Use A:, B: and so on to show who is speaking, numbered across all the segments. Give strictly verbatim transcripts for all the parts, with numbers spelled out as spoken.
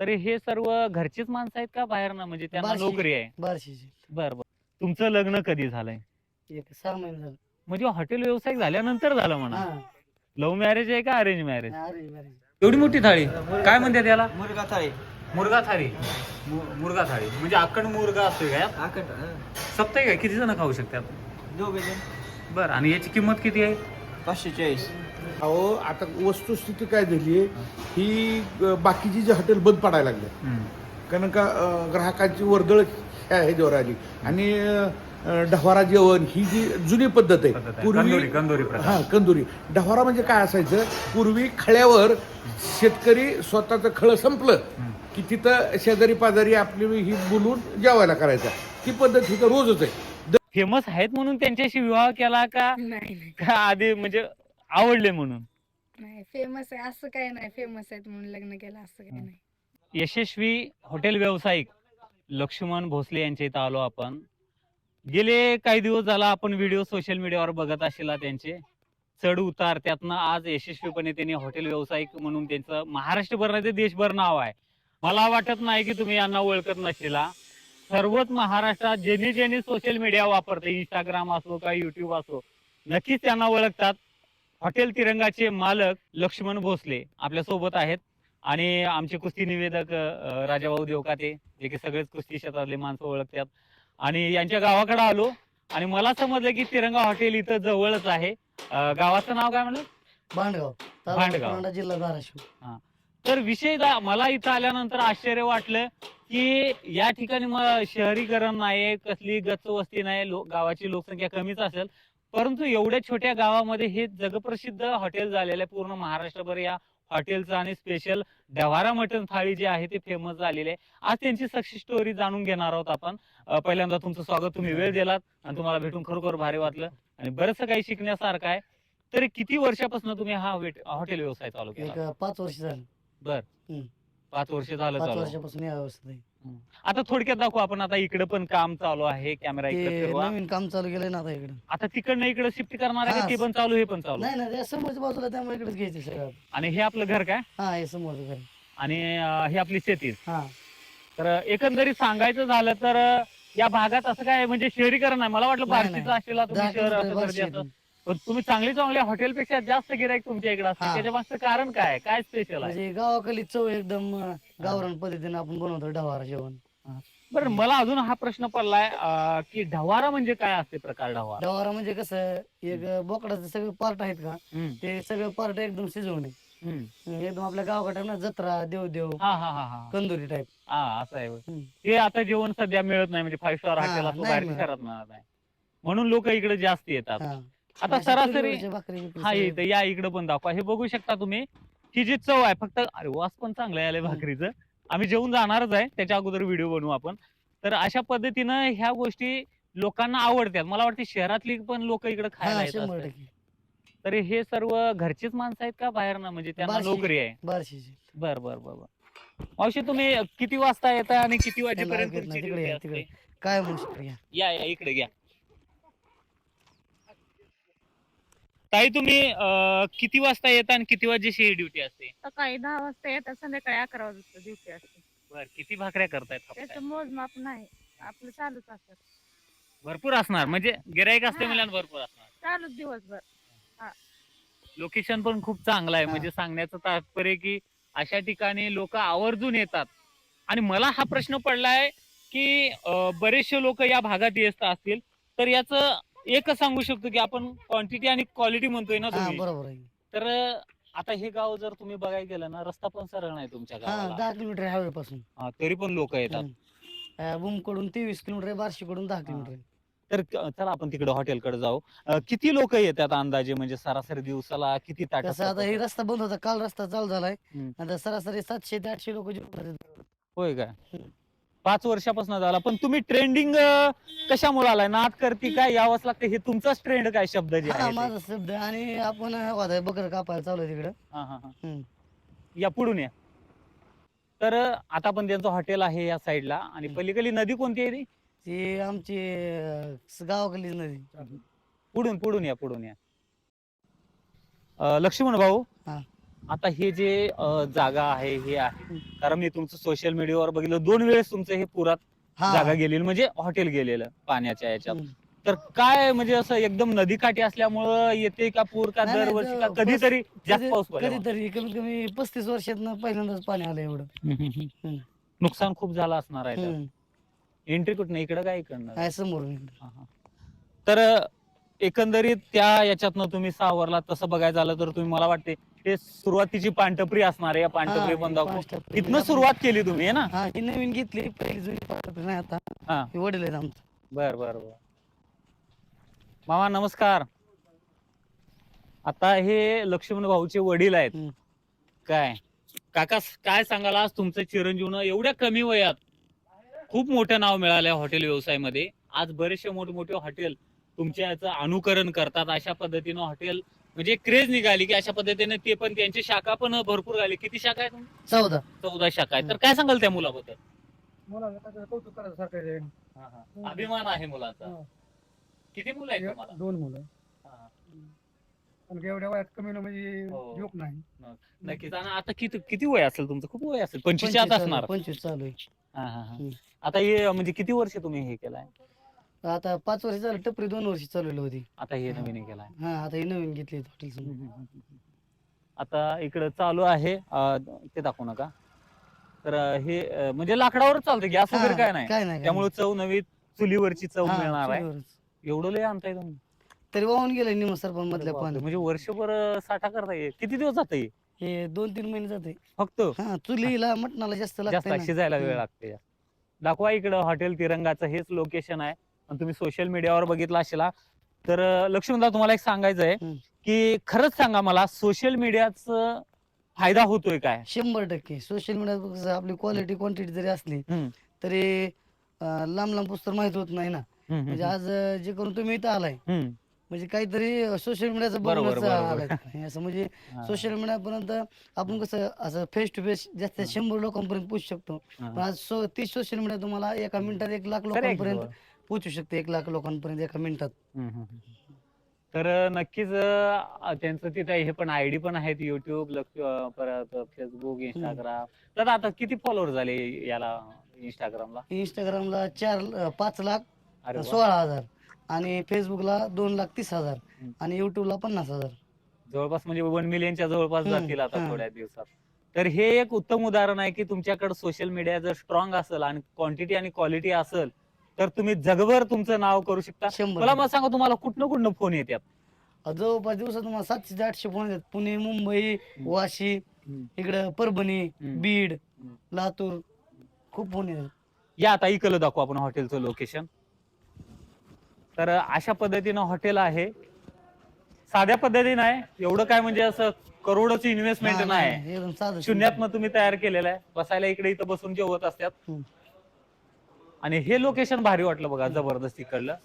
A: तर हे सर्व घरचीच माणसं आहेत का बाहेर ना, म्हणजे त्यांना
B: बार्शी
A: नोकरी आहे?
B: बार्शीची
A: बरं बरं. तुमचं लग्न कधी झालंय?
B: एक सहा महिने झालं.
A: म्हणजे हॉटेल व्यावसायिक झाल्यानंतर झालं म्हणा.
B: हा
A: लव्ह मॅरेज आहे का अरेंज मॅरेज?
B: अरे मॅरेज.
A: एवढी मोठी थाळी काय म्हणते त्याला?
C: मुर्गा थाळी.
A: मुर्गा थाळी. मु- मुर्गा थाळी म्हणजे अक्कड मुर्गा असतोय का यात?
C: आकट
A: सप्ताही काय किती जण खाऊ शकतात?
C: दोघे जण
A: बरं, आणि याची किंमत किती आहे?
C: पाचशे चाळीस.
D: अहो आता वस्तुस्थिती काय झाली आहे ही अ, बाकीची जी हॉटेल बंद पडायला लागले
A: हम्म.
D: कारण का अ, ग्राहकांची वर्दळ ह्या ह्याच्यावर आली आणि अ, ढवारा जेवण ही जी जुनी पद्धत आहे
A: पद्धत आहे. कंदोरी- कंदोरी प्रकार.
D: हा कंदुरी ढवारा म्हणजे काय असायचं पूर्वी खळ्यावर शेतकरी स्वतःचं खळं संपलं
A: हम्म.
D: की तिथं शेजारी पाजारी आपली ही बोलून जेवायला करायचा ती पद्धत ही तर रोजच आहे.
A: फेमस आहेत म्हणून त्यांच्याशी विवाह केला का
E: नाही नाही
A: का आधी म्हणजे आवडले म्हणून?
E: नाही फेमस आहे असं काही नाही, फेमस आहेत म्हणून लग्न केलं असं काही नाही.
A: यशस्वी हॉटेल व्यावसायिक लक्ष्मण भोसले यांच्या इथं आलो आपण. गेले काही दिवस झाला आपण व्हिडिओ सोशल मीडियावर बघत असेला त्यांचे चढ उतार, त्यातनं आज यशस्वीपणे त्यांनी हॉटेल व्यावसायिक म्हणून त्यांचं महाराष्ट्रभर नाही तर देशभर नाव आहे. मला वाटत नाही की तुम्ही यांना ओळखत नसेला. सर्वच महाराष्ट्रात ज्यांनी ज्यांनी सोशल मीडिया वापरते, इंस्टाग्राम असो का युट्यूब असो, नक्कीच त्यांना ओळखतात. हॉटेल तिरंगाचे मालक लक्ष्मण भोसले आपल्या सोबत आहेत आणि आमचे कुस्ती निवेदक अ, राजाभाऊ देवकाते, जे की सगळेच कुस्ती क्षेत्रातले माणसं ओळखतात. आणि यांच्या गावाकडे आलो आणि मला समजलं की तिरंगा हॉटेल इथं जवळच आहे. अ, गावाचं नाव काय म्हणलं?
B: भांडगाव तालुका
A: भांडगाव.
B: परांडा, जिल्हा धाराशिव.
A: तर विषय दा- मला इथं आल्यानंतर आश्चर्य वाटलं की या ठिकाणी मग शहरीकरण नाही, कसली गच्च वस्ती नाही, लो- गावाची लोकसंख्या कमीच असेल, परंतु एवढ्या छोट्या गावामध्ये हे जगप्रसिद्ध हॉटेल झालेलं आहे. पूर्ण महाराष्ट्रभर या हॉटेलचं आणि स्पेशल ढवारा मटण थाळी जी आहे ते फेमस झालेली आहे. आज त्यांची सक्सेस स्टोरी जाणून घेणार आहोत आपण. अ, पहिल्यांदा तुमचं स्वागत, तुम्ही वेळ दिलात आणि तुम्हाला भेटून खरोखर भारी वाटलं आणि बरंचसं काही शिकण्यासारखं आहे. तरी किती वर्षापासून तुम्ही हा वेट- हॉटेल व्यवसाय चालू
B: एक
A: केला?
B: अ, पाच वर्ष झाली.
A: बर
B: हम्म.
A: पाच वर्ष झालं
B: पाच
A: चालू.
B: वर्षापासून या अवस्थेत आहे.
A: हम्म. आता थोडक्यात दाखवू आपण. आता इकडे पण काम चालू आहे, कॅमेरा इकडे
B: ते
A: फिरवा.
B: नवीन काम चालू केलंय ना आता इकडे.
A: आता तिकडनं इकडे शिफ्ट करणार आहे का?
B: हा.
A: ते पण चालू, हे पण चालू.
B: नाही ना त्या समोरच्या बाजूला त्यामुळे इकडेच घ्यायचं सगळं.
A: आणि हे आपलं घर काय?
B: हा हे समोरचं घर.
A: आणि अं, हे आपली शेती.
B: हा
A: तर एकंदरीत सांगायचं झालं तर अं, या भागात असं काय म्हणजे शहरीकरण नाही. मला वाटलं
B: नाही,
A: बार्शीचं
B: नाही.
A: असेल तुम्ही
B: दहा
A: शहर
B: किलोमीटर
A: असं
B: बार्शी
A: गरजेचं.
B: इथून.
A: पण तुम्ही चांगली चांगल्या हॉटेलपेक्षा जास्त गिराईक तुमच्या इकडे असते,
B: हा.
A: त्याच्या मागचं कारण काय? काय स्पेशल आहे?
B: म्हणजे गावाकडली चव एकदम अ, गावरान पद्धतीने आपण बनवतो ढवारा जेवण.
A: बरं, मला अजून हा प्रश्न पडलाय अं, की ढवारा म्हणजे काय असते प्रकार ढवारा?
B: ढवारा म्हणजे कसं एक बोकडाचे सगळे पार्ट आहेत का
A: हम्म,
B: ते सगळे पार्ट एकदम शिजवणे
A: हम्म.
B: एकदम आपल्या गावाकडे ना जत्रा देवदेव
A: हा हा हा हा
B: कंदुरी टाईप.
A: हा असं आहे होय.
B: हम्म.
A: ते आता जेवण सध्या मिळत नाही, म्हणजे फाईव्ह स्टार
B: हा,
A: हॉटेल असो
B: नाही
A: बाहेरच्या
B: मिळत.
A: शहरात मिळत नाही, म्हणून लोक इकडे जास्त येतात.
B: हा.
A: आता
B: अशी
A: सरासरी
B: चुलीवरची भाकरी बिकरी
A: हा
B: सगळं.
A: इथं या इकडे पण दाखवा. हे बघू शकता तुम्ही, ही जी चव आहे, फक्त अरे वास पण चांगला आलाय
B: हम्म.
A: भाकरीचं. आम्ही जेवून जाणारच आहे, त्याच्या अगोदर व्हिडिओ बनवू आपण. तर अशा पद्धतीनं ह्या गोष्टी लोकांना आवडतात. मला वाटतं शहरातली पण लोक इकडे खायला
B: हा
A: येत
B: शंभर
A: असतात.
B: टक्के.
A: तर हे सर्व घरचीच माणसं आहेत का बाहेर ना, म्हणजे त्यांना
B: बार्शी.
A: नोकरी आहे?
B: बार्शीची.
A: बर बर बर बर. मावशी तुम्ही किती वाजता येता आणि किती
B: त्यांना
A: वाजेपर्यंत
B: ऐकत
A: तुमची
B: नाही, तिकडे
A: ड्युटी
B: या,
A: असते?
B: तिकडे. काय म्हणू शकतो या.
A: या या इकडे घ्या. ताई तुम्ही अं, किती वाजता येता आणि किती वाजेची ड्युटी असते?
E: सकाळी दहा वाजता येतात, संध्याकाळी अकरा वाजता ड्युटी असते.
A: बर, किती भाकऱ्या करतायत
E: त्याचं
A: हप्त्यात?
E: मोजमाप नाही, आपलं चालूच असतात.
A: भरपूर असणार, म्हणजे गिराईक असते
E: हा.
A: म्हणल्यावर भरपूर असणार.
E: चालूच दिवसभर.
A: लोकेशन पण खूप चांगलं आहे,
B: हा.
A: म्हणजे सांगण्याचं तात्पर्य की अशा ठिकाणी लोक आवर्जून येतात. आणि मला हा प्रश्न पडलाय की अं, बरेचसे लोक या भागात येत असतील, तर याचं एकच सांगू शकतो की आपण क्वांटिटी आणि क्वालिटी म्हणतोय ना
B: हा
A: तुम्ही.
B: बरोबर आहे.
A: तर आता हे गाव जर तुम्ही बघायला गेलं ना, रस्ता पण सरळ नाही तुमच्या
B: हा
A: गावाला.
B: दहा किलोमीटर हायवे पासून.
A: हा, तरी पण लोक येतात.
B: बुम कडून तेवीस किलोमीटर आहे, बार्शी कडून दहा किलोमीटर आहे.
A: तर क- चला आपण तिकडे हॉटेलकडे जाऊ. अं, किती लोक येतात अंदाजे, म्हणजे सरासरी दिवसाला किती ताट
B: कसं आता हे रस्ता बंद होता, काल रस्ता चालू झालाय.
A: हम्म.
B: आता सरासरी सातशे ते आठशे लोक
A: होय काय?
B: हम्म.
A: पाच वर्षापासून झाला. पण तुम्ही ट्रेंडिंग कशामुळे आलाय? नाद करती काय यावंच लागतं, हे तुमचाच ट्रेंड काय शब्द जे
B: हा
A: आहे ते?
B: माझा शब्द आहे. आणि आपण आता बकर कापायला चालू आहे तिकडं.
A: हा, हा, हा.
B: हम्म.
A: या पुढून या. तर आता पण त्यांचं हॉटेल आहे या साईडला, आणि
B: हम्म.
A: पलीकडली नदी कोणती आहे ती?
B: ती आमची अं, गावाकडली नदी.
A: पुढून पुढून या, पुढून या. अं, लक्ष्मण भाऊ,
B: हा.
A: आता हे जे अं, जागा आहे हे आहे कारण मी तुमचं सोशल मीडियावर बघितलं दोन वेळेस तुमचं हे पुरात
B: हा
A: जागा गेलेली म्हणजे हॉटेल गेलेलं पाण्याच्या याच्यात
B: हम्म.
A: तर काय म्हणजे असं एकदम नदीकाठी असल्यामुळं येते का पूर का
B: नाही, नाही,
A: दरवर्षी का
B: जो
A: कधीतरी जास्त
B: कधी-
A: पाऊस पडला
B: कधीतरी कमीत कमी पस्तीस वर्षात पहिल्यांदाच पाणी आलं एवढं. हम्म.
A: नुकसान खूप झालं असणार आहे
B: हम्म.
A: एंट्री कुठं इकडं काय इकडनं
B: आहे समोर.
A: हा, हा. तर एकंदरीत त्या याच्यातनं तुम्ही सावरला तसं बघायला झालं तर तुम्ही मला वाटते ते सुरुवातीची पानटपरी असणार आहे या पानटपरी पण दाखवू इथनं सुरुवात केली तुम्ही आहे ना
B: हा ही नवीन घेतली पहिली जुनी पाठवली नाही आता
A: हा
B: हे वडील आहेत आमचं.
A: बर बर बर मामा नमस्कार आता हे लक्ष्मण भाऊचे वडील आहेत
B: हम्म.
A: काय काका काय सांगाल आज तुमचं चिरंजीवन एवढ्या कमी वयात खूप मोठं नाव मिळालंय हॉटेल व्यवसायामध्ये आज बरेचसे मोठमोठे हॉटेल तुमच्या याचं अनुकरण करतात अशा पद्धतीनं हॉटेल म्हणजे क्रेज निघाली की अशा पद्धतीने ते पण त्यांची शाखा पण भरपूर झाली किती शाखा आहे तुमची
B: चौदा
A: चौदा शाखा आहे तर काय सांगाल त्या मुलाबद्दल
B: कौतुक करायसारखं आहे.
A: हा, हा. अभिमान आहे मुलाचा
B: हा.
A: किती मुलं आहेत तुम्हाला
B: दोन मुलं
A: हा,
B: पण एवढ्या वयात कमी म्हणजे
A: हो.
B: जोक नाही.
A: नक्कीच आणि आता किती किती वय असेल तुमचं खूप वय असेल पंचवीस आत असणार
B: पंचवीस चालू आहे.
A: हा, हा, हा.
B: हम्म.
A: आता हे म्हणजे किती वर्ष तुम्ही हे केलाय
B: आता पाच वर्ष झालं टपरी दोन वर्ष चालवली होती.
A: आता हे नवीन हे केलाय
B: हा आता ही नवीन घेतली हॉटेल.
A: आता इकडं चालू आहे अं, ते दाखवू नका तर अं, हे अं, म्हणजे लाकडावरच चालतं गॅस वगैरे काय नाही
B: काय नाही
A: त्यामुळे चव नवी चुलीवरची चव
B: हा,
A: मिळणार आहे
B: चुलीवरच.
A: एवढं लय आणताय तुम्ही
B: तरी वाहून गेलं निम सरपंच
A: अरे
B: मधल्या
A: बापरे,
B: पाणी
A: म्हणजे वर्षभर अं, साठा करता येईल किती दिवस जात
B: हे दोन तीन महिने जाते.
A: फक्त
B: हा चुलीला मटणाला जास्त
A: जास्त
B: लागतं
A: शिजायला वेळ लागते दाखवा इकडं हॉटेल तिरंगाचं हेच लोकेशन आहे आणि तुम्ही सोशल मीडियावर बघितलं असेल तर अं, लक्ष्मणदा तुम्हाला एक सांगायचं आहे
B: हम्म.
A: की खरंच सांगा मला सोशल मीडियाचा फायदा होतोय काय
B: शंभर टक्के सोशल मीडिया आपली क्वालिटी क्वांटिटी जरी असली
A: हम्म,
B: तरी अं, लांब लांब पुस्तक माहित होत नाही ना.
A: हम्म, हम्म,
B: म्हणजे आज अं, जे करून तुम्ही इथं आलाय
A: हम्म.
B: म्हणजे काहीतरी सोशल मीडियाचं
A: बरोबर,
B: बघूनच
A: बरोबर.
B: आलाय असं म्हणजे
A: हा.
B: सोशल मीडियापर्यंत आपण कसं असं फेस टू फेस जास्त शंभर लोकांपर्यंत पोहोचू शकतो.
A: हा.
B: पण आज सो तीच सोशल मीडिया तुम्हाला एका मिनिटात एक लाख
A: खरं आहे की
B: लोकांपर्यंत
A: बुवा.
B: पोहोचू शकते. एक लाख लोकांपर्यंत एका मिनिटात.
A: हम्म, हम्म, हम्म. तर अं, नक्कीच अं, त्यांचं तिथे हे पण आयडी पण आहेत युट्यूब परत फेसबुक इंस्टाग्राम तर आता किती फॉलोअर झाले याला इंस्टाग्रामला
B: इंस्टाग्रामला चार अं, पाच लाख
A: अरे वा.
B: सोळा हजार आणि फेसबुकला दोन लाख तीस हजार
A: हम्म.
B: आणि युट्यूबला पन्नास हजार.
A: जवळपास म्हणजे वन मिलियनच्या जवळपास
B: हम्म,
A: जातील आता
B: हा.
A: थोड्या दिवसात तर हे एक उत्तम उदाहरण आहे की तुमच्याकडे सोशल मीडिया जर स्ट्रॉंग असेल आणि क्वांटिटी आणि क्वालिटी असेल तर तुम्ही जगभर तुमचं नाव करू शकता
B: शंभर
A: मला मग सांगा तुम्हाला कुठनं कुठनं फोन येतात
B: जवळपास दिवसात तुम्हाला सातशे ते आठशे फोन येतात. पुणे मुंबई वाशी इकडं परभणी
A: हम्म.
B: बीड
A: हम्म.
B: लातूर खूप फोन येतात.
A: या आता इकडं दाखवू आपण हॉटेलचं लोकेशन तर अशा पद्धतीनं हॉटेल आहे साध्या पद्धतीनं आहे एवढं काय म्हणजे असं करोडची इन्व्हेस्टमेंट
B: हा,
A: नाही
B: नाही, एकदम साधं
A: शून्यातनं तुम्ही तयार केलेलं आहे बसायला इकडे इथं बसून जेवत असतात
B: हम्म.
A: आणि हे लोकेशन भारी वाटलं बघा जबरदस्त इकडलं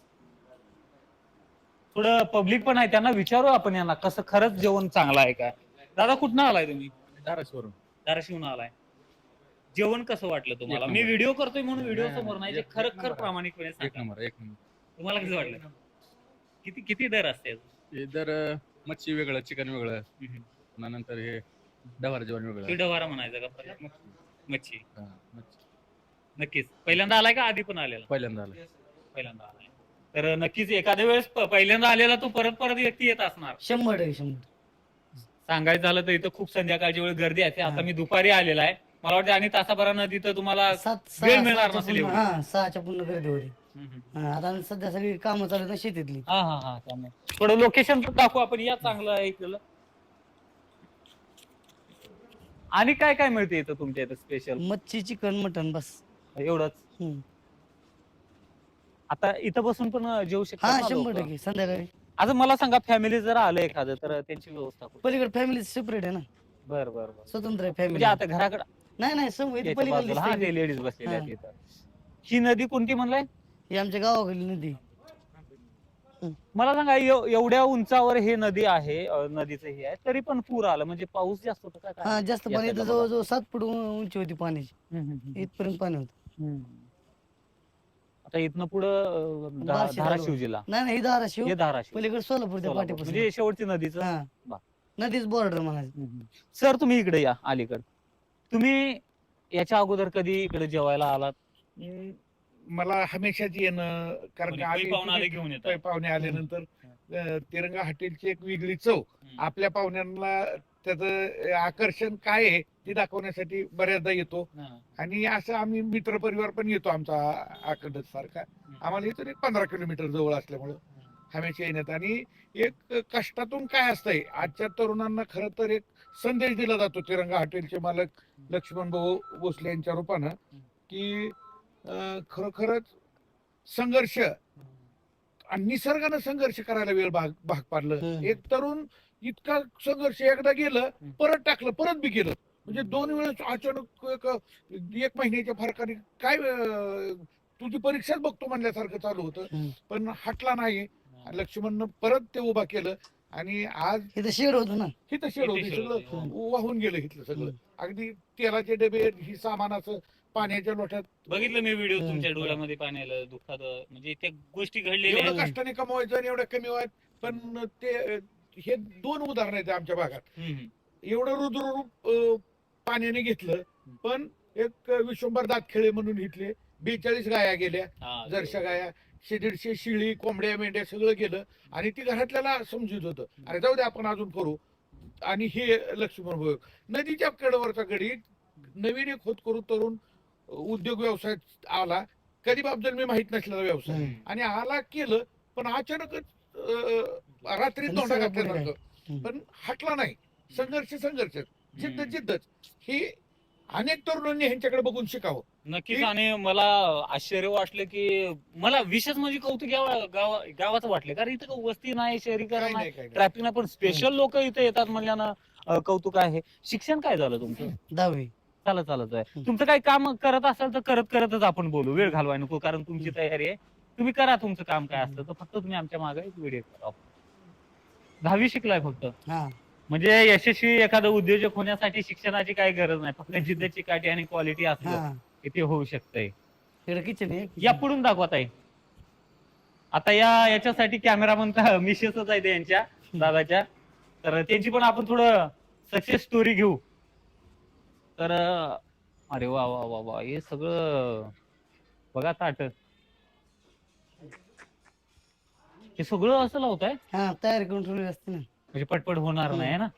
A: थोडं पब्लिक पण आहे त्यांना विचारू आपण यांना कसं खरंच जेवण चांगलं आहे का दादा कुठनं आलाय तुम्ही
F: धाराशिवरून
A: धाराशिवून आलाय जेवण कसं वाटलं तुम्हाला
F: एक
A: मी
F: नंबर.
A: व्हिडिओ करतोय म्हणून व्हिडिओ
F: नाही,
A: समोर नाही
F: नाही,
A: जे खरं
F: एक
A: खर
F: नंबर.
A: प्रामाणिकपणे
F: एक
A: सांगा.
F: नंबर एक नंबर
A: तुम्हाला कसं वाटलं किती किती दर असते
F: हे जर अं, मच्छी वेगळं चिकन वेगळं पुन्हा नंतर हे डवार जेवण वेगळं
A: डवारा म्हणायचं का परत? मच्छी
F: हा, मच्छी.
A: नक्कीच पहिल्यांदा आलाय का आधी पण आलेला
F: पहिल्यांदा आलं
A: पहिल्यांदा आलाय तर नक्कीच एखाद्या वेळेस प- पहिल्यांदा आलेला तो परत परत व्यक्ती येत असणार
B: शंभर टक्के शंभर.
A: सांगायचं झालं तर इथं खूप संध्याकाळची वेळ गर्दी असते आता
B: हा.
A: मी दुपारी आलेला आहे मला वाटतं आणि तासाभरानं तिथं तुम्हाला
B: सात
A: वेळ
B: सहा
A: मिळणार
B: सहाच्या
A: नसेल
B: पूर्ण-
A: एवढी.
B: हा सहाच्या पूर्ण गर्दी होती.
A: हम्म, हम्म.
B: हा, आता सध्या सगळी कामं चालू आहेत ना शेतीतली.
A: हा हा हा त्यामुळे थोडं लोकेशन दाखवू आपण या चांगलं ऐकलेलं आणि काय काय मिळते इथं तुमच्या इथं स्पेशल
B: मच्छी चिकन मटन बस.
A: एवढंच
B: हम्म.
A: आता इथं बसून पण जेवू
B: हा
A: शकतात ना
B: शंभर
A: लोकं?
B: टक्के संध्याकाळी
A: आता मला सांगा फॅमिली जर आलं एखादं तर त्यांची व्यवस्था कुठे
B: पलीकडे फॅमिली सेपरेट आहे ना
A: बर बर बर
B: स्वतंत्र आहे
A: म्हणजे
B: फॅमिली.
A: आता घराकडे
B: नाही नाही समोर इथं
A: याच्या
B: पलीकडे
A: बाजूला हा
B: दिसतंय
A: ते
B: की.
A: लेडीज बसलेले आहेत
B: हा.
A: इथं ही नदी कोणती म्हणलाय
B: ही आमच्या गावाकडली नदी.
A: मला सांगा एव- एवढ्या उंचावर हे नदी आहे अं, नदीचं हे आहे तरी पण पूर आलं म्हणजे पाऊस जास्त होता का काय?
B: हा जास्त
A: या
B: पाणी
A: साईडला
B: इथं
A: बघा.
B: जवळजवळ सात फूट उं- उंची होती पाण्याची.
A: हम्म, हम्म, हम्म.
B: इथपर्यंत पाणी होतं.
A: हम्म. आता इथनं पुढं
B: बार्शी
A: धाराशिव
B: तालुका.
A: जिल्हा
B: नाही नाही ही धाराशिव
A: हे धाराशिव
B: पलीकडे सोलापूरच्या
A: सोलापूर.
B: पाठीपासून.
A: म्हणजे शेवटची नदीचं
B: हा नदीच बॉर्डर म्हणायचं.
A: सर तुम्ही इकडे या अलीकडे. तुम्ही याच्या अगोदर कधी इकडे जेवायला आलात?
D: अं, मला हमेशाच येणं, कारण
A: कोणी
D: का
A: काही
D: आम्ही
A: पाहुणे आले
D: तिथे
A: घेऊन येतात.
D: पै- पाहुणे आल्यानंतर अं, तिरंगा हॉटेलची एक वेगळी चव,
A: हम्म.
D: आपल्या पाहुण्यांना त्याचं आकर्षण काय आहे ते दाखवण्यासाठी बऱ्याचदा येतो.
A: हा.
D: आणि असं आम्ही मित्र परिवार पण येतो आमचा आखंड सारखा. आम्हाला इथून एक पंधरा किलोमीटर जवळ असल्यामुळं हमेशा येण्यात. आणि एक कष्टातून काय असतंय, आजच्या तरुणांना खरं तर एक संदेश दिला जातो तिरंगा हॉटेलचे मालक लक्ष्मण भाऊ भोसले यांच्या रूपानं, की अं, खरोखरच संघर्ष आणि निसर्गानं संघर्ष करायला वेळ भाग भाग पाडलं.
B: हम्म.
D: एक तरुण इतका संघर्ष एकदा गेलं, परत टाकलं, परत बी गेलं. म्हणजे दोन वेळेस अचानक एक एक महिन्याच्या फरकाने काय अं, तुझी परीक्षाच बघतो म्हणल्यासारखं चालू होतं.
B: हम्म.
D: पण हटला नाही. लक्ष्मणनं परत ते उभा केलं आणि आज
B: इथं शेड होतं ना.
D: हिथं शेड होती,
A: शेड
D: सगळं
A: होती,
D: वाहून गेलं इथलं सगळं. अगदी तेलाचे डबे ही सामान असं पाण्याच्या लोट्यात.
A: बघितलं मी व्हिडिओ
B: हम्म.
A: तुमच्या डोळ्यामध्ये पाणी आलं, दुःखात म्हणजे त्या गोष्टी घडलेल्या
D: एवढं
A: आहेत.
D: कष्टाने कमवायचं आणि एवढं कमी व्हायचं. पण ते हे दोन उदाहरण आहेत आमच्या भागात.
A: हम्म.
D: एवढं रुद्ररूप अं, पाण्याने घेतलं, पण एक विश्वंभर दातखेळे म्हणून इथले बेचाळीस गाया गेल्या,
A: हा,
D: जरशा गाया, शे दीडशे शिळी, कोंबड्या, मेंढ्या सगळं गेलं. आणि ती घरातल्याला समजत होतं, अरे जाऊ दे आपण अजून करू. आणि हे लक्ष्मण भाऊ नदीच्या कडेवरचा गडी नवीन एक होतकरू तरुण उद्योग व्यवसाय आला, कधी बाबजल मी माहित नसलेला व्यवसाय,
B: हम्म.
D: आणि आला केलं. पण अचानकच अं, रात्री तोंडा
B: निसर्गापुढे
D: घातल्यासारखं.
B: हम्म.
D: पण हटला नाही. संघर्ष संघर्ष जिद्द जिद्दच ही अनेक तरुणांनी ह्यांच्याकडे बघून शिकावं.
A: नक्कीच.
D: एक-
A: आणि मला आश्चर्य वाटलं की मला विशेष म्हणजे कौतुक गावा गावा- गावाचं वाटलं, कारण इथं काही वस्ती नाही, शहरीकरण
D: काय
A: नाही,
D: नाही काय नाही.
A: ट्रॅफिक नाही, पण स्पेशल लोक इथे येतात म्हणल्यानं अं, कौतुक आहे. शिक्षण काय झालं तुमचं?
B: दहावी.
A: चालत चालत आहे.
B: हम्म.
A: तुमचं काही काम करत असाल तर करत करतच आपण बोलू, वेळ घालवाय नको, कारण तुमची तयारी आहे. तुम्ही करा तुमचं काम काय असतं, तर फक्त तुम्ही आमच्या मागे एक व्हिडिओ करा. दहावी शिकलाय फक्त,
B: हा.
A: म्हणजे यशस्वी एखादं उद्योजक होण्यासाठी शिक्षणाची काही गरज नाही, फक्त जिद्दची काठी आणि क्वालिटी असलं
B: हा.
A: की ते होऊ शकतंय.
B: इकडे किचन आहे.
A: या पुढून दाखवत आहे. आता या याच्यासाठी कॅमेरामन मिसेसच आहे यांच्या दादाच्या, तर त्यांची पण आपण थोडं सक्सेस स्टोरी घेऊ. तर अरे वा वा वा वा, हे सगळं बघा ताट, हे सगळं असं लावत आहे
B: हा, तयारी करून ठेवली असते ना.
A: म्हणजे पटपट होणार नाही ना.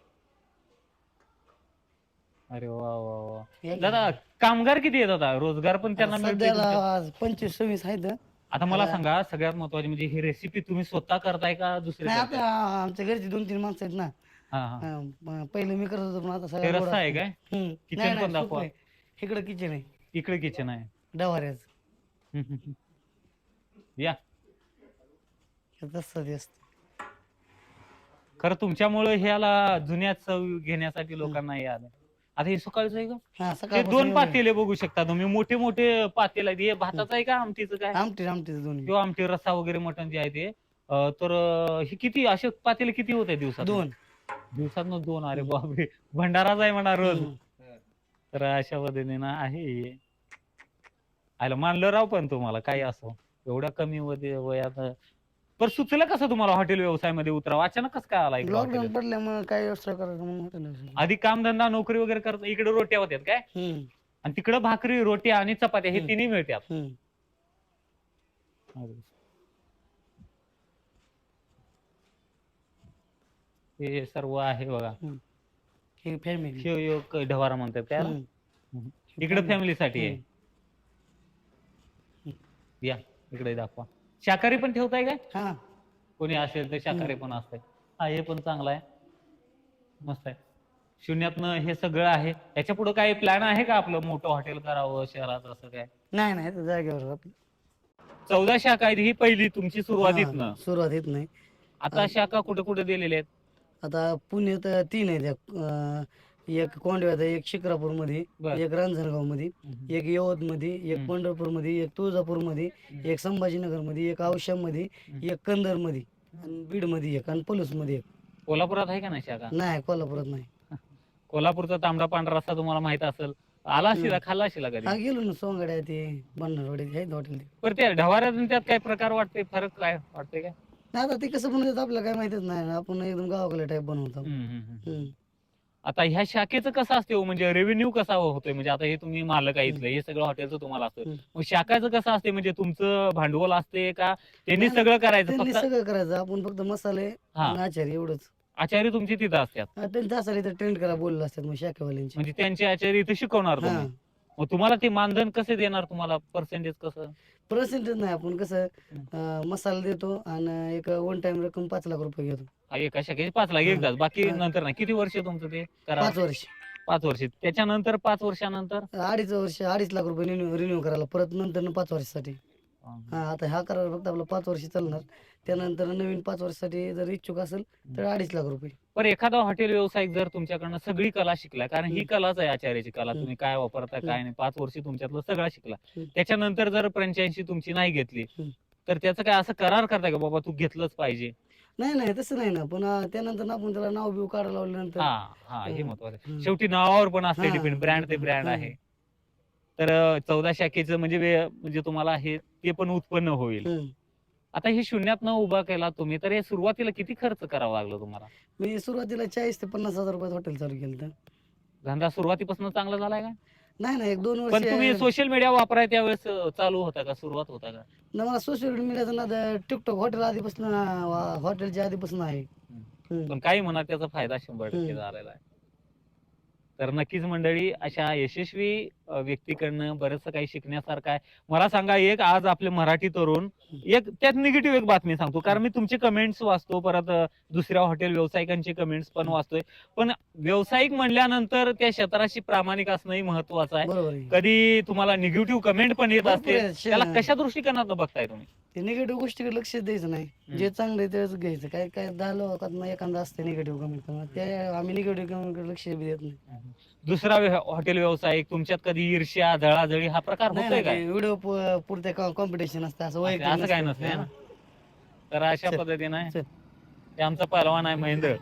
A: अरे वा वा वा.
B: एक-
A: दादा कामगार किती येतात आता? रोजगार पण त्यांना
B: आता
A: मिळतोय
B: सध्याला
A: तुमच्या?
B: आज पंचवीस सव्वीस आहेत.
A: आता मला
B: आता-
A: सांगा, सगळ्यात महत्वाची म्हणजे ही रेसिपी तुम्ही स्वतः करताय का दुसरे
B: नाही,
A: करताय?
B: आपल्या आमच्या घरची दोन तीन माणसं आहेत ना.
A: हा हा.
B: हा, म- पहिलं मी करत होतो, पण आता
A: हे
B: सगळं
A: रस्ता आहे काय?
B: हम्म.
A: किचन
B: नाही,
A: पण
B: नाही,
A: दाखवा.
B: सूप आहे. इकडं किचन आहे,
A: इकडे किचन आहे.
B: डवाऱ्याच.
A: हम्म, हम्म, हम्म. या.
B: तसं ते असतं.
A: खरं तुमच्यामुळे ह्याला जुन्या चव घेण्यासाठी लोकांना हे आलं. आता हे सकाळचं आहे का?
B: हा,
A: हे
B: सकाळपासून
A: दोन
B: एवढं-
A: पातेले बघू शकता तुम्ही, मोठे मोठे पातेले आहेत. हे भाताचं आहे का आमटीचं काय?
B: आमटी आमटी दोन्ही
A: किंवा आमटी रस्सा वगैरे मटण जे आहे ते. अं, तर अं, हे किती असे पातेले किती होत आहे दिवसात?
B: दोन.
A: दिवसात दोन. अरे बापरे, भंडाराच आहे म्हणा रोज.
B: हम्म.
A: तर अशा पद्धतीनं आहे हे. आयला मानलं राव, पण तुम्हाला काही असो एवढ्या कमी वय- वयात पण सुचलं कसं तुम्हाला हॉटेल व्यवसायामध्ये उतरावं? अचानक कसं काय आला इकडे
B: लॉकडाऊन
A: हॉटेल?
B: पडल्यामुळे काय व्यवस्था करायचं म्हणून hotel ला.
A: आधी कामधंदा नोकरी वगैरे करत इकडे रोट्या होत्यात काय,
B: हम्म.
A: आणि तिकडे भाकरी रोट्या आणि चपात्या हे
B: हम्म.
A: तिन्ही मिळतात.
B: हम्म.
A: हे सर्व आहे बघा.
B: हे फॅमिली.
A: शिव योग ढवारा म्हणतात त्याला.
B: हम्म.
A: इकडे फॅमिलीसाठी आहे. या इकडे दाखवा. शाकाहारी पण ठेवताय काय?
B: हा.
A: कोणी असेल तर शाकाहारी पण असतंय. हा, हे पण चांगलं आहे, मस्त आहे. शून्यातनं हे सगळं आहे. याच्या पुढे काही प्लॅन आहे का आपलं मोठं हॉटेल करावं शहरात, असं काय?
B: नाही नाही, आता जागेवर आपण.
A: चौदा शाखा आहेत, ही पहिली तुमची सुरुवातीतनं.
B: हा, सुरुवात येत नाही.
A: आता शाखा कुठे कुठे दिलेल्या आहेत?
B: आता पुण्यात तीन आहेत. एक, अं, एक कोंडव्यात आहे, एक शिक्रापूर मध्ये,
A: बर.
B: एक रांजणगाव मध्ये, एक यवत मध्ये, एक
A: हम्म.
B: पंढरपूर मध्ये, एक तुळजापूर मध्ये, एक संभाजीनगर मध्ये, एक औशा मध्ये, एक कंदर मध्ये, आणि बीड मध्ये एक, आणि पलूस मध्ये एक.
A: कोल्हापुरात आहे का नाही शाखा?
B: नाही, कोल्हापुरात नाही.
A: कोल्हापूरचा तांबडा पांढरा रस्सा तुम्हाला माहित असेल, आला असेल, खाल्ला असेल
B: हा,
A: कधी?
B: गेलो ना सोंगाड्या ते बन्नरवाडी आहेत हॉटेल ते.
A: पण त्या ढवाऱ्यात आणि त्यात काय प्रकार वाटते, फरक काय वाटते काय?
B: नाही आता ते कसं बनवतात आपल्याला काय माहितीच नाही ना, आपण एकदम गावाकडे टाईप बनवतो.
A: हम्म, हम्म, हम्म.
B: हम्म.
A: आता ह्या शाखेचं कसं असते हो? म्हणजे रेव्हेन्यू कसा होतोय? म्हणजे आता हे तुम्ही मालक आहे
B: हम्म.
A: इथलं, हे सगळं हॉटेलचं तुम्हाला असतं.
B: हम्म.
A: मग शाखाचं कसं असते? म्हणजे तुमचं भांडवल असते का त्यांनी
B: नाही, नाही,
A: सगळं करायचं
B: त्यांनी
A: फक्त?
B: सगळं करायचं, आपण फक्त मसाले
A: हा,
B: आणि आचारी एवढंच.
A: आचार्य तुमची तिथं असतात,
B: हा, त्यांचं असायला तर ट्रेंड करा बोललं असतात मग शाखेवाल्यांची.
A: म्हणजे त्यांचे आचार्य इथं शिकवणार
B: हा,
A: तुम्ही. मग तुम्हाला ते मानधन कसे देणार? तुम्हाला पर्सेंटेज कसं?
B: पर्सेंटेज नाही, आपण कसं
A: हम्म.
B: अं, मसाला देतो आणि एक वन टाइम रक्कम पाच लाख रुपये घेतो.
A: हा, एका शाखेचे पाच लाख
B: हा,
A: एकदाच, बाकी
B: हा,
A: नंतर नाही. किती वर्ष तुमचं ते करार?
B: पाच वर्ष
A: पाच वर्ष. त्याच्यानंतर पाच वर्षानंतर
B: अडीच वर्ष अडीच लाख रुपये रिन्यू रिन्यू करायला परत नंतर पाच वर्षासाठी. हा, आता हा करार फक्त आपला पाच वर्ष चालणार, त्यानंतर नवीन पाच वर्षासाठी जर इच्छुक असेल तर अडीच लाख रुपये.
A: पण एखादा हॉटेल व्यावसायिक जर तुमच्याकडनं सगळी कला शिकलाय, कारण ही
B: हम्म.
A: कलाच आहे आचार्याची कला,
B: हम्म.
A: तुम्ही काय वापरता
B: हम्म.
A: काय नाही, पाच वर्ष तुमच्यातलं सगळं शिकला,
B: हम्म.
A: त्याच्यानंतर जर फ्रँचायझी तुमची नाही घेतली
B: हम्म.
A: तर त्याचं काय असं करार करताय का बाबा तू घेतलंच पाहिजे?
B: नाही नाही तसं नाही ना, पण अं, त्यानंतर ना आपण त्याला नाव बिव काढायला लावल्यानंतर.
A: हा, हा, हे
B: हं,
A: महत्वाचं आहे.
B: हं.
A: शेवटी नावावर पण असते
B: हा,
A: डिपेंड, ब्रँड ते
B: depend.
A: ब्रँड
B: हा.
A: आहे. तर चौदा शाखेचं म्हणजे वे- म्हणजे तुम्हाला हे ते पण उत्पन्न होईल.
B: हं.
A: आता हे शून्यात न उभा केला तुम्ही, तर हे सुरुवातीला किती खर्च करावा लागला तुम्हाला?
B: मी सुरुवातीला चाळीस ते पन्नास हजार रुपयात हॉटेल चालू केलं.
A: धंदा सुरुवातीपासून चांगला झालाय का?
B: नाही नाही, एक दोन वर्ष
A: पण तुम्ही सोशल मीडिया वापराय त्यावेळेस अं, चालू होता का, सुरुवात होता का?
B: ना मला सोशल मीडियाचं ना टिकटॉक हॉटेल आधीपासून हॉटेलच्या आधीपासून आहे. हं.
A: पण काही म्हणा त्याचा फायदा शंभर टक्के
B: हं.
A: झालेला आहे. तर नक्कीच मंडळी, अशा यशस्वी अ, व्यक्तीकडनं बरंचसं काही शिकण्यासारखं आहे. मला सांगा, एक आज आपले मराठी तरुण, एक त्यात निगेटिव्ह एक बातमी सांगतो, कारण मी तुमचे कमेंट्स वाचतो, परत अ, दुसऱ्या हॉटेल व्यावसायिकांचे कमेंट्स पण वाचतोय. पण व्यावसायिक म्हणल्यानंतर त्या क्षेत्राशी प्रामाणिक असणंही महत्वाचं आहे.
B: बरोबर आहे.
A: कधी तुम्हाला निगेटिव्ह कमेंट पण येत
B: भरपूर
A: असते,
B: आहेत. शे-
A: त्याला कशा दृष्टिकोनातून बघताय तुम्ही?
B: ते निगेटिव्ह गोष्टीकडे लक्ष द्यायचं नाही, जे चांगलं आहे तेच घ्यायचं. काय काय दहा लोकात ना एखादा असते निगेटिव्ह कमेंट करणार, ते आम्ही निगेटिव्ह कमेंटकडे लक्ष बी देत नाही.
A: दुसरा व्य- हॉटेल व्यावसायिक, तुमच्यात कधी ईर्ष्या जळाजळी हा प्रकार
B: नाही
A: होतोय
B: नाही,
A: काय?
B: ते व्हिडिओ पुरते कॉम्पिटिशन असतं, असं वैयक्तिक
A: असं काय
B: नसतं.
A: नसतंय
B: हा.
A: ना? तर अशा
B: चल,
A: पद्धतीने
B: चल.
A: ते आमचा पहलवान आहे महेंद्र.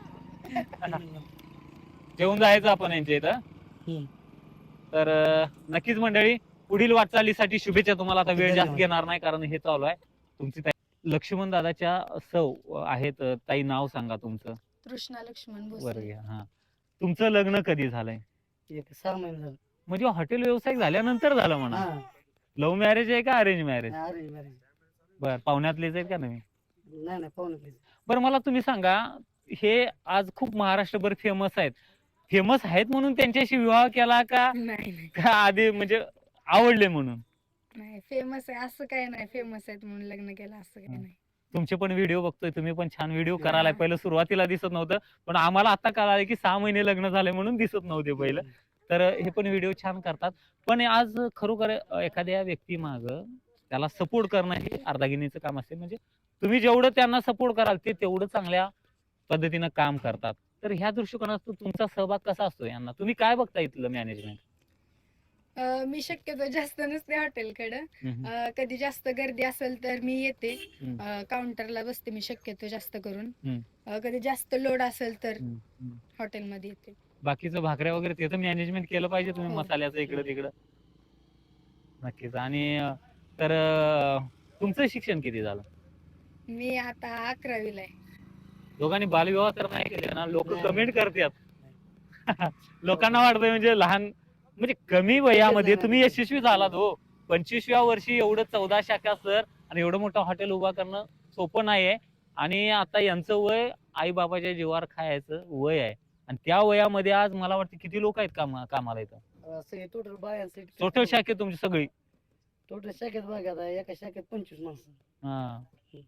A: जेवून जायचं आपण यांच्या इथं.
B: हं.
A: तर अं, नक्कीच मंडळी, पुढील वाटचालीसाठी शुभेच्छा तुम्हाला. आता वेळ जास्त
B: धन्यवाद.
A: घेणार नाही, कारण हे चालू आहे. तुमची ताई लक्ष्मण दादाच्या सौ आहेत, ताई नाव सांगा तुमचं.
E: कृष्णा लक्ष्मण
A: बरं
E: भोसले.
A: घ्या. हा, तुमचं लग्न कधी झालंय?
B: एक सहा महिने झाले.
A: म्हणजे हॉटेल व्यावसायिक झाल्यानंतर झालं म्हणा.
B: हा,
A: लव्ह मॅरेज आहे का अरेंज मॅरेज?
B: अरे मॅरेज.
A: बर, पाहुण्यातलेच आहेत का तुम्ही?
B: नाही नाही, पाहुणे please.
A: बरं, मला तुम्ही सांगा, हे आज खूप महाराष्ट्रभर फेमस आहेत, फेमस आहेत म्हणून त्यांच्याशी विवाह केला का,
E: नाही नाही
A: का आधी म्हणजे आवडले म्हणून?
E: नाही, फेमस आहे असं काय नाही, फेमस आहेत म्हणून लग्न केलं असं काय नाही.
A: तुमचे पण व्हिडिओ बघतोय, तुम्ही पण छान व्हिडिओ
B: हा.
A: करायला. पहिलं सुरुवातीला दिसत नव्हतं, पण आम्हाला आता कळालं की सहा महिने लग्न झाले म्हणून दिसत नव्हते पहिलं. तर हे पण व्हिडिओ छान करतात. पण आज खरोखर अ, एखाद्या व्यक्ती माग त्याला सपोर्ट करणं हे अर्धागिनीचं काम असते. म्हणजे तुम्ही जेवढं त्यांना सपोर्ट कराल ते तेवढं चांगल्या पद्धतीनं काम करतात. तर ह्या दृष्टिकोनातून तुमचा सहभाग कसा असतो यांना? तुम्ही काय बघता इथलं मॅनेजमेंट?
E: अं, मी शक्यतो जास्त नसते हॉटेलकडं. अं, कधी जास्त गर्दी असेल तर मी येते,
A: हम्म.
E: काउंटरला बसते मी शक्यतो जास्त करून.
A: हम्म.
E: अं, कधी जास्त लोड असेल तर हॉटेलमध्ये येते.
A: बाकीचं भाकऱ्या वगैरे त्याचं मॅनेजमेंट केलं पाहिजे तुम्ही,
E: हो.
A: मसाल्याचं इकडं तिकडं. नक्कीच. आणि अं, तर अं, तुमचं शिक्षण किती झालं?
E: मी आता अकरावीला आहे.
A: दोघांनी बालविवाह तर नाही केले ना? लोक
B: नाही.
A: कमेंट करतात. लोकांना वाटतंय म्हणजे लहान, म्हणजे कमी वयामध्ये तुम्ही यशस्वी झालात हो. पंचवीसव्या वर्षी एवढं चौदा शाखा सर आणि एवढं मोठं हॉटेल उभा करणं सोपं नाहीये. आणि आता यांचं वय आई बाबाच्या जीवावर खायचं वय आहे. आणि त्या वयामध्ये आज मला वाटतं किती लोक आहेत कामा कामाला इथं?
B: असं टोटल बायांचे
A: टोटल शाखेत तुमची सगळी?
B: टोटल शाखेत बघा आता, एका शाखेत पंचवीस माणसं.
A: हा,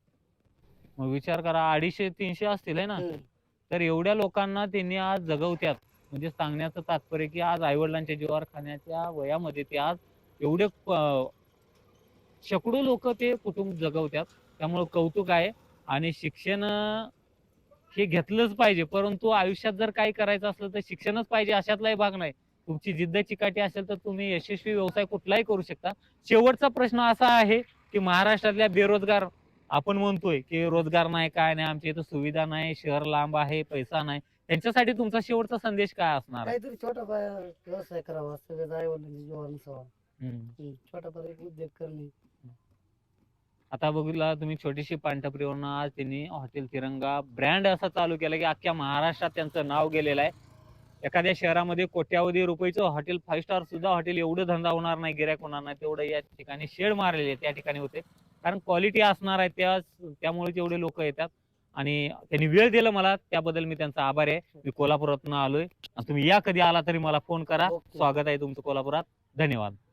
A: मग विचार करा, अडीचशे तीनशे असतील आहे ना?
B: हं.
A: तर एवढ्या लोकांना त्यांनी आज जगवत्यात. म्हणजे सांगण्याचं तात्पर्य की आज आईवडिलांच्या जीवावर खाण्याच्या वयामध्ये ते आज एवढे प- शेकडो लोक ते कुटुंब जगवत्यात. त्यामुळे कौतुक आहे. आणि शिक्षण अं, हे घेतलंच पाहिजे, परंतु आयुष्यात जर काही करायचं असलं तर शिक्षणच पाहिजे अशातलाही भाग नाही. तुमची जिद्द चिकाटी असेल तर तुम्ही यशस्वी व्यवसाय कुठलाही करू शकता. शेवटचा प्रश्न असा आहे की महाराष्ट्रातल्या बेरोजगार, आपण म्हणतोय की रोजगार नाही, काय नाही, आमच्या इथं सुविधा नाही, शहर लांब आहे, पैसा नाही, त्यांच्यासाठी तुमचा शेवटचा संदेश काय असणार आहे?
B: काहीतरी छोटा पाया व्यवसाय करावा, सगळं आई वडिलांची जीवावर नसावा.
A: हम्म.
B: हं. छोटा पाया एक उद्योग करणे.
A: आता बघितला तुम्ही छोटीशी पानटपरीवरून आज त्यांनी हॉटेल तिरंगा ब्रँड असा चालू केला की अख्ख्या महाराष्ट्रात त्यांचं नाव गेलेलं आहे. एखाद्या शहरामध्ये कोट्यावधी रुपयाचं हॉटेल फाईव्ह स्टार सुद्धा हॉटेल एवढं धंदा होणार नाही, गिऱ्हाईक होणार नाही तेवढं या ठिकाणी शेड मारलेले त्या ठिकाणी होते. कारण क्वालिटी असणार आहे त्या त्यामुळे तेवढे लोक येतात. आणि त्यांनी वेळ दिला मला त्याबद्दल मी त्यांचा आभारी आहे. मी कोल्हापुरातून आलोय. तुम्ही या कधी आला तरी मला फोन करा.
B: ओके.
A: स्वागत आहे तुमचं कोल्हापुरात. धन्यवाद.